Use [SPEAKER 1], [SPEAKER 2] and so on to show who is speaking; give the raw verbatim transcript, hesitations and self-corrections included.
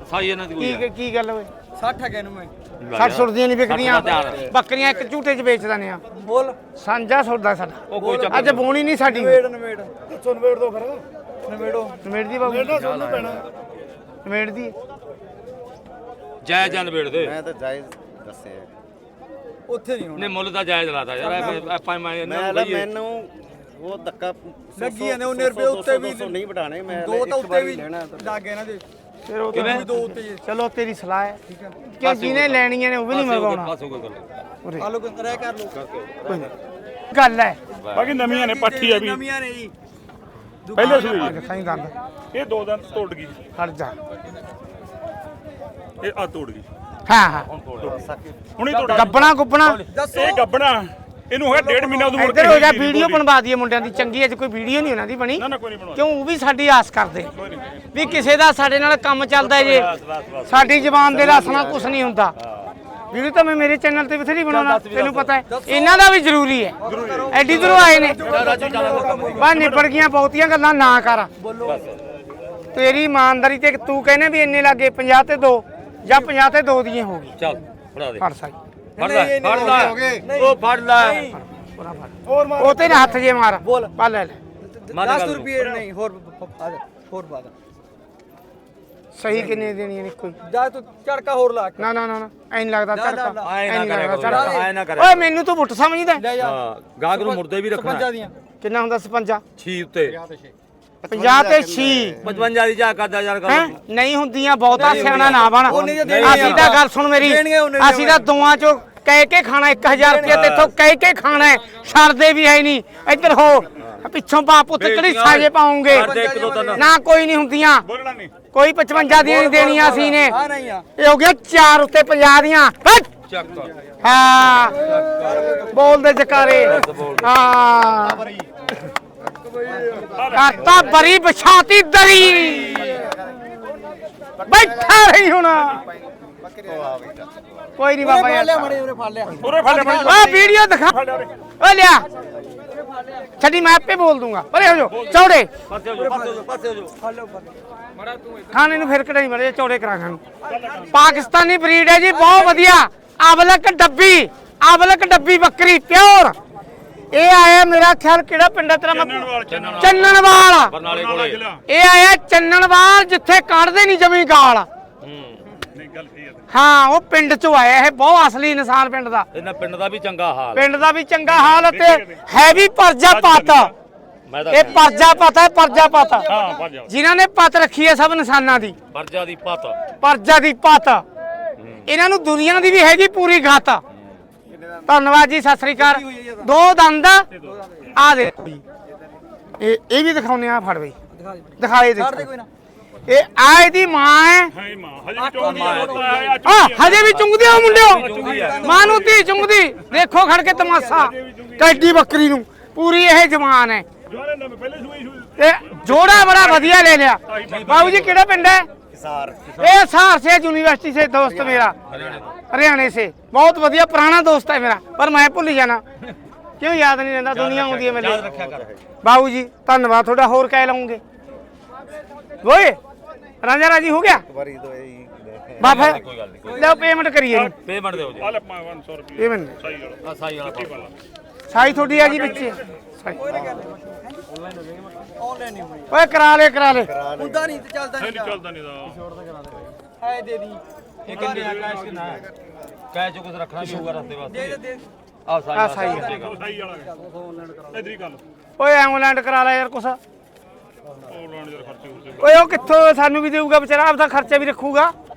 [SPEAKER 1] ਸਾਈ ਇਹਨਾਂ ਦੀ ਕੋਈ
[SPEAKER 2] ਕੀ ਕੀ ਗੱਲ ਓਏ
[SPEAKER 3] ਸੱਠ ਹੈ ਇਹਨੂੰ ਮੈਂ
[SPEAKER 2] ਸੱਠ ਸੁਰਦੀਆਂ ਨਹੀਂ ਵਿਕਦੀਆਂ ਬੱਕਰੀਆਂ ਇੱਕ ਝੂਟੇ 'ਚ ਵੇਚ ਦਿੰਦੇ ਆ
[SPEAKER 3] ਬੋਲ
[SPEAKER 2] ਸਾਂਝਾ ਸੌਦਾ ਸਾਡਾ
[SPEAKER 1] ਉਹ ਕੋਈ ਚੱਕਰ
[SPEAKER 2] ਅੱਜ ਬੋਣੀ ਨਹੀਂ ਸਾਡੀ
[SPEAKER 3] ਨਵੇੜ ਨਵੇੜ
[SPEAKER 4] ਦੱਸੋ ਨਵੇੜ ਦੋ ਫਿਰ
[SPEAKER 3] ਨਵੇੜੋ
[SPEAKER 2] ਨਵੇੜ ਦੀ ਬਾਬੂ
[SPEAKER 4] ਨਵੇੜਨਾ ਸੁਣਨਾ ਪੈਣਾ
[SPEAKER 2] ਨਵੇੜ ਦੀ
[SPEAKER 1] ਜਾਇਜ਼ ਜਾਂ ਨਵੇੜ ਦੇ
[SPEAKER 5] ਮੈਂ ਤਾਂ ਜਾਇਜ਼ ਦੱਸਿਆ
[SPEAKER 3] ਉੱਥੇ ਨਹੀਂ ਹੋਣਾ
[SPEAKER 1] ਨੇ ਮੁੱਲ ਤਾਂ ਜਾਇਜ਼ ਲਾਤਾ ਯਾਰ ਆਪਾਂ ਮੈਂ ਇਹਨਾਂ
[SPEAKER 5] ਮੈਂ
[SPEAKER 1] ਨੂੰ ਕਹੀਏ
[SPEAKER 5] ਮੈਨੂੰ ਉਹ ਧੱਕਾ
[SPEAKER 3] ਲੱਗੀ ਜਾਂਦੇ ਉਹਨੇ ਰੁਪਏ ਉੱਤੇ ਵੀ
[SPEAKER 5] ਨਹੀਂ ਵਟਾਣੇ ਮੈਂ
[SPEAKER 3] ਦੋ ਤਾਂ ਉੱਤੇ ਵੀ ਲੱਗ ਗਏ ਇਹਨਾਂ ਦੇ
[SPEAKER 2] ਫਿਰ ਉਹ
[SPEAKER 1] ਕਿਵੇਂ?
[SPEAKER 2] ਤਾਂ ਦੋ ਉੱਤੇ ਚਲੋ ਤੇਰੀ ਸਲਾਹ ਹੈ ਕਿਉਂ ਜਿਹਨੇ ਲੈਣੀਆਂ ਨੇ ਉਹ ਵੀ ਨਹੀਂ ਮੰਗਵਾਉਣਾ
[SPEAKER 1] ਪਾਸ ਹੋ ਗਿਆ ਗੱਲ
[SPEAKER 2] ਉਰੇ
[SPEAKER 3] ਆ ਲੋ ਰਹਿ ਕਰ ਲੋ
[SPEAKER 2] ਕੋਈ ਨਹੀਂ। ਗੱਲ ਹੈ
[SPEAKER 4] ਬਾਕੀ ਨਵੀਆਂ ਨੇ ਪੱਠੀ ਆ ਵੀ
[SPEAKER 3] ਨਵੀਆਂ ਨੇ ਜੀ
[SPEAKER 4] ਪਹਿਲੇ ਸੂਈ
[SPEAKER 2] ਅੱਜ ਖਾਈ ਦੰਦ
[SPEAKER 4] ਇਹ ਦੋ ਦਿਨ ਤੋੜ ਗਈ
[SPEAKER 2] ਖੜ ਜਾ
[SPEAKER 4] ਇਹ ਆ ਤੋੜ ਗਈ
[SPEAKER 2] ਹਾਂ ਹਾਂ
[SPEAKER 4] ਹੁਣੀ ਤੋੜ ਗਈ।
[SPEAKER 2] ਗੱਬਣਾ ਗੁੱਬਣਾ
[SPEAKER 4] ਇਹ ਗੱਬਣਾ ਇਹਨੂੰ ਹੋਇਆ ਡੇਢ ਮਹੀਨਾ ਉਦੋਂ ਮੁੜ
[SPEAKER 2] ਇੱਧਰ
[SPEAKER 4] ਕੇ
[SPEAKER 2] ਹੋ ਜਾ
[SPEAKER 4] ਗਈ ਨੀ
[SPEAKER 2] ਵੀਡੀਓ
[SPEAKER 4] ਬੋਲੀ।
[SPEAKER 2] ਬਣਵਾ ਦਈਏ ਮੁੰਡਿਆਂ ਦੀ ਚੰਗੀ ਅੱਜ ਕੋਈ ਵੀਡੀਓ ਨਹੀਂ ਉਹਨਾਂ ਦੀ ਬਣੀ
[SPEAKER 4] ਨਾ ਨਾ ਕੋਈ ਨਹੀਂ ਬਣਵਾ
[SPEAKER 2] ਕਿਉਂ ਉਹ ਵੀ ਸਾਡੀ ਆਸ ਕਰਦੇ ਵੀ ਕਿਸੇ ਦਾ ਸਾਡੇ ਨਾਲ ਕੰਮ ਚੱਲਦਾ ਜੇ ਸਾਡੀ ਜ਼ਬਾਨ ਦੇ ਰਸ ਨਾਲ ਕੁਝ ਨਹੀਂ ਹੁੰਦਾ ਵੀਡੀਓ ਤਾਂ ਮੈਂ ਮੇਰੇ ਚੈਨਲ ਤੇ ਬਥੇਰੀ ਬਣਾਉਣਾ ਤੈਨੂੰ ਪਤਾ ਹੈ ਇਹਨਾਂ ਦਾ ਵੀ ਜ਼ਰੂਰੀ ਹੈ ਐਡੀ ਦੂਰੋਂ ਆਏ ਨੇ ਬਾ ਨਿਬੜ ਗਈਆਂ ਬਹੁਤੀਆਂ ਗੱਲਾਂ ਨਾ ਕਰ ਤੇਰੀ ਇਮਾਨਦਾਰੀ ਤੇ ਤੂੰ ਕਹਿੰਦੇ ਵੀ ਇੰਨੇ ਲੱਗੇ ਪੰਜਾਹ ਤੇ ਦੋ ਜਾਂ ਪੰਜਾਹ ਤੇ ਦੋ ਦੀਆਂ ਹੋ ਗਈ
[SPEAKER 1] ਚੱਲ ਫੜਾ ਦੇ
[SPEAKER 2] ਫੜ ਸਾਈ
[SPEAKER 1] ਫੜ ਲੈ ਫੜ ਲੈ ਉਹ ਫੜ ਲੈ
[SPEAKER 2] ਉਹ ਤੇ ਹੱਥ ਜੇ ਮਾਰ
[SPEAKER 3] ਬੋਲ।
[SPEAKER 2] ਪਾ ਲੈ ਲੈ
[SPEAKER 3] ਦਸ ਰੁਪਏ ਨਹੀਂ ਹੋਰ ਹੋਰ ਬਾਦ
[SPEAKER 2] ਸਹੀ ਕਿੰਨੇ ਦੇਣੀ ਨੇ ਕੋਈ
[SPEAKER 3] ਜਾ ਤੂੰ ਝੜਕਾ ਹੋਰ ਲਾ
[SPEAKER 2] ਨਾ ਨਾ ਨਾ ਐਂ ਨੀ ਲੱਗਦਾ ਝੜਕਾ
[SPEAKER 1] ਆਏ
[SPEAKER 2] ਐਂ
[SPEAKER 1] ਨਾ
[SPEAKER 2] ਨੀ
[SPEAKER 1] ਕਰਿਆ
[SPEAKER 2] ਲੱਗਦਾ
[SPEAKER 1] ਕਰੋ,
[SPEAKER 2] ਝੜਕਾ।
[SPEAKER 1] ਆਏ ਨਾ ਕਰਿਆ
[SPEAKER 2] ਓਏ ਮੈਨੂੰ ਤੂੰ ਬੁੱਟ ਸਮਝਦਾ
[SPEAKER 3] ਲੈ ਜਾ
[SPEAKER 1] ਹਾਂ ਗਾਹਕ ਨੂੰ ਮੁਰਦੇ ਵੀ ਰੱਖਣਾ
[SPEAKER 3] ਪੰਜਾਂ ਦੀਆਂ
[SPEAKER 2] ਕਿੰਨਾ ਹੁੰਦਾ ਸਪੰਜਾ
[SPEAKER 1] ਛੀ ਉੱਤੇ
[SPEAKER 2] ਪੰਜਾਹ ਤੇ ਛੀ
[SPEAKER 1] ਪਚਵੰਜਾ ਦੀ ਜਾ ਕਰਦਾ ਯਾਰ
[SPEAKER 2] ਹੈ ਨਹੀਂ ਹੁੰਦੀਆਂ ਬਹੁਤਾ ਸਿਆਣਾ ਨਾ ਬਣ
[SPEAKER 3] ਉਹਨੇ ਜੇ ਦੇਣੀਆਂ
[SPEAKER 2] ਅਸੀਂ ਤਾਂ ਗੱਲ ਸੁਣ ਮੇਰੀ
[SPEAKER 3] ਦੇਣੀਆਂ ਉਹਨੇ ਦੇ
[SPEAKER 2] ਅਸੀਂ ਤਾਂ ਦੋਆਂ ਚੋਂ ਕਹਿ ਕੇ ਖਾਣਾ ਇੱਕ ਹਜ਼ਾਰ ਰੁਪਏ ਤੇ ਇੱਥੋਂ ਕਹਿ ਕੇ ਖਾਣਾ ਹੈ ਛੱਡਦੇ ਵੀ ਹੈ ਨਹੀਂ ਇੱਧਰ ਹੋ ਪਿੱਛੋਂ ਬਾਪ ਉੱਤੇ ਕਿਹੜੀ ਸਾਜੇ ਪਾਉਂਗੇ
[SPEAKER 1] ਕਰਦੇ ਇੱਕ ਦੋ ਤਿੰਨ
[SPEAKER 2] ਨਾ ਕੋਈ ਨਹੀਂ ਹੁੰਦੀਆਂ
[SPEAKER 4] ਬੋਲਣਾ ਨਹੀਂ
[SPEAKER 2] ਕੋਈ ਪਚਵੰਜਾ ਦੀਆਂ ਨਹੀਂ ਦੇਣੀਆਂ ਅਸੀਂ ਨੇ
[SPEAKER 3] ਆ ਨਹੀਂ ਆ
[SPEAKER 2] ਇਹ ਹੋ ਗਿਆ ਚਾਰ ਉੱਤੇ ਪੰਜਾਹ ਦੀਆਂ ਹੱਟ।
[SPEAKER 1] ਚੱਕ
[SPEAKER 2] ਹਾਂ ਬੋਲਦੇ ਜਕਾਰੇ ਹਾਂ ਕਰਤਾ ਬਰੀ ਬਿਛਾਤੀ ਦਰੀ ਬੈਠਾ ਰਹੀ ਹੁਣ ਕੋਈ ਨਹੀਂ ਬਾਬਾ ਯਾਰ
[SPEAKER 3] ਲਿਆ ਮੜੇ ਉਹਨੇ ਫੜ ਲਿਆ
[SPEAKER 4] ਉਰੇ ਫੜ ਲੈ
[SPEAKER 2] ਓ ਵੀਡੀਓ ਦਿਖਾ ਓ ਲਿਆ ਛੱਡੀ ਮੈਂ ਆਪੇ ਬੋਲ ਦੂੰਗਾ ਪਰੇ ਹੋ ਜਾਓ ਚੌੜੇ
[SPEAKER 1] ਪਾਸੇ ਹੋ ਜਾ ਪਾਸੇ ਹੋ ਜਾ ਪਾਸੇ ਹੋ ਜਾ
[SPEAKER 3] ਫੜ ਲਓ ਫੜ
[SPEAKER 2] ਖਾਣੇ ਨੂੰ ਫਿਰ ਕਢਾਈ ਮੜੇ ਚੌੜੇ ਕਰਾ ਖਾਣ ਪਾਕਿਸਤਾਨੀ ਬਰੀਡ ਹੈ ਜੀ ਬਹੁਤ ਵਧੀਆ ਅਬਲਕ ਡੱਬੀ ਅਬਲਕ ਡੱਬੀ ਬੱਕਰੀ ਪਿਓਰ ਇਹ ਆਇਆ ਮੇਰਾ ਖਿਆਲ ਕਿਹੜਾ ਪਿੰਡ ਹੈ ਤੇਰਾ ਮੈਂ
[SPEAKER 4] ਚੰਨਣਵਾਲ ਚੰਨਣਵਾਲ
[SPEAKER 2] ਚੰਨਣਵਾਲ
[SPEAKER 1] ਬਰਨਾਲੇ ਕੋਲੇ
[SPEAKER 2] ਇਹ ਆਇਆ ਚੰਨਣਵਾਲ ਜਿੱਥੇ ਕੱਢਦੇ ਨਹੀਂ ਜਮੀ ਗਾਲ
[SPEAKER 1] ਹੂੰ
[SPEAKER 4] ਨਹੀਂ ਗੱਲ ਕੀ ਹੈ
[SPEAKER 2] ਹਾਂ ਉਹ ਪਿੰਡ ਚੋਂ ਆਇਆ ਇਹ ਬਹੁਤ ਅਸਲੀ ਇਨਸਾਨ ਪਿੰਡ ਦਾ
[SPEAKER 1] ਇਹਨਾਂ ਪਿੰਡ ਦਾ ਵੀ ਚੰਗਾ ਹਾਲ
[SPEAKER 2] ਪਿੰਡ ਦਾ ਵੀ ਚੰਗਾ ਹਾਲ ਤੇ ਹੈ ਵੀ ਪਰਜਾਪਤ
[SPEAKER 1] ਮੈਂ ਤਾਂ
[SPEAKER 2] ਇਹ ਪਰਜਾਪਤ ਹੈ ਪਰਜਾਪਤ
[SPEAKER 4] ਹਾਂ ਭੱਜ ਜਾ
[SPEAKER 2] ਜਿਨ੍ਹਾਂ ਨੇ ਪਤ ਰੱਖੀ ਹੈ ਸਭ ਇਨਸਾਨਾਂ ਦੀ
[SPEAKER 1] ਵਰਜਾ ਦੀ ਪਤ
[SPEAKER 2] ਪਰਜਾ ਦੀ ਪਤ ਇਹਨਾਂ ਨੂੰ ਦੁਨੀਆ ਦੀ ਵੀ ਹੈਗੀ ਪੂਰੀ ਗਤ ਧੰਨਵਾਦ ਜੀ ਸਤਿ ਸ੍ਰੀ ਅਕਾਲ ਦੋ ਦੰਦ ਆ ਦੇ ਇਹ ਇਹ ਵੀ ਦਿਖਾਉਨੇ ਆ ਫੜ ਬਈ
[SPEAKER 3] ਦਿਖਾ ਦੇ
[SPEAKER 2] ਦਿਖਾਏ ਦੇ
[SPEAKER 3] ਛੱਡ ਦੇ ਕੋਈ ਨਾ
[SPEAKER 2] ਇਹ ਆ ਇਹਦੀ ਮਾਂ ਹੈ
[SPEAKER 4] ਹਾਂ ਮਾਂ ਹਜੇ ਵੀ ਚੋਂਦੀ ਆ
[SPEAKER 2] ਆ ਹਜੇ ਵੀ ਚੁੰਗਦੇ ਹੋ ਮੁੰਡਿਓ ਮਾਂ ਨੂੰ ਧੀ ਚੁੰਗਦੀ ਦੇਖੋ ਖੜ ਕੇ ਤਮਾਸ਼ਾ ਟੈਡੀ ਬੱਕਰੀ ਨੂੰ ਪੂਰੀ ਇਹ ਜਵਾਨ ਹੈ
[SPEAKER 4] ਜਵਾਨੇ ਨਵੇਂ ਪਹਿਲੇ ਸੂਈ ਸੂਈ
[SPEAKER 2] ਤੇ ਜੋੜਾ ਬੜਾ ਵਧੀਆ ਲੈ ਲਿਆ ਬਾਬੂ ਜੀ ਕਿਹੜਾ ਪਿੰਡ ਹੈ
[SPEAKER 5] ਹਿਸਾਰ
[SPEAKER 2] ये सहार से यूनिवर्सिटी से दोस्त मेरा हरियाणा से बहुत बढ़िया पुराना दोस्त है मेरा पर मैं भुल जाना क्यों याद नहीं रहता दुनिया आती है मेरे बाबू जी धन्यवाद थोड़ा होर कह लाऊंगे वो राजा राजी हो गया
[SPEAKER 5] ਵਾਰੀ ਤੋਂ ਇਹ
[SPEAKER 2] बाबा
[SPEAKER 1] ਕੋਈ ਗੱਲ ਨਹੀਂ
[SPEAKER 2] लो पेमेंट करिए
[SPEAKER 1] ਪੇਮੈਂਟ ਦਿਓ ਜੀ
[SPEAKER 4] ਆ ਲੈ ਪੰਜ ਸੌ ਰੁਪਏ
[SPEAKER 2] पेमेंट
[SPEAKER 4] ਸਹੀ ਗੱਲ
[SPEAKER 1] ਆ ਸਾਈ ਵਾਲਾ ਪਾ
[SPEAKER 2] साई थोड़ी है जी बच्चे
[SPEAKER 3] ਆਨਲਾਈਨ ਨਹੀਂ ਹੋਣੀ
[SPEAKER 2] ओए करा ले करा ले
[SPEAKER 3] ਹੁੰਦਾ ਨਹੀਂ ਤੇ ਚੱਲਦਾ
[SPEAKER 4] ਨਹੀਂ
[SPEAKER 3] ਨਹੀਂ
[SPEAKER 4] ਚੱਲਦਾ ਨਹੀਂ ਦਾ
[SPEAKER 3] ਹੈ ਦੇ ਦੀ
[SPEAKER 1] ਇਹ ਕਿੰਨੇ ਆ ਕੈਸ਼ ਕਿੰਨਾ ਹੈ ਕੈਸ਼ ਜੋ ਕੁਝ ਰੱਖਣਾ ਵੀ ਹੋਊਗਾ ਰਸਤੇ ਵਾਸਤੇ
[SPEAKER 3] ਦੇ ਦੇ
[SPEAKER 1] ਆ ਸਾਈ
[SPEAKER 2] ਆ
[SPEAKER 1] ਵਾਲਾ
[SPEAKER 2] ਸਾਈ ਹੈ।
[SPEAKER 4] ਸਹੀ ਵਾਲਾ ਇਧਰ ਹੀ ਗੱਲ
[SPEAKER 2] ओए एम्बुलेंट करा ले यार कुछ
[SPEAKER 4] ਉਹ ਲਾਉਣ ਜਰ ਖਰਚੇ ਹੁੰਦੇ
[SPEAKER 2] ओए ओ कित्थों सानू भी देऊगा बेचारा आपदा खर्चा भी रखूगा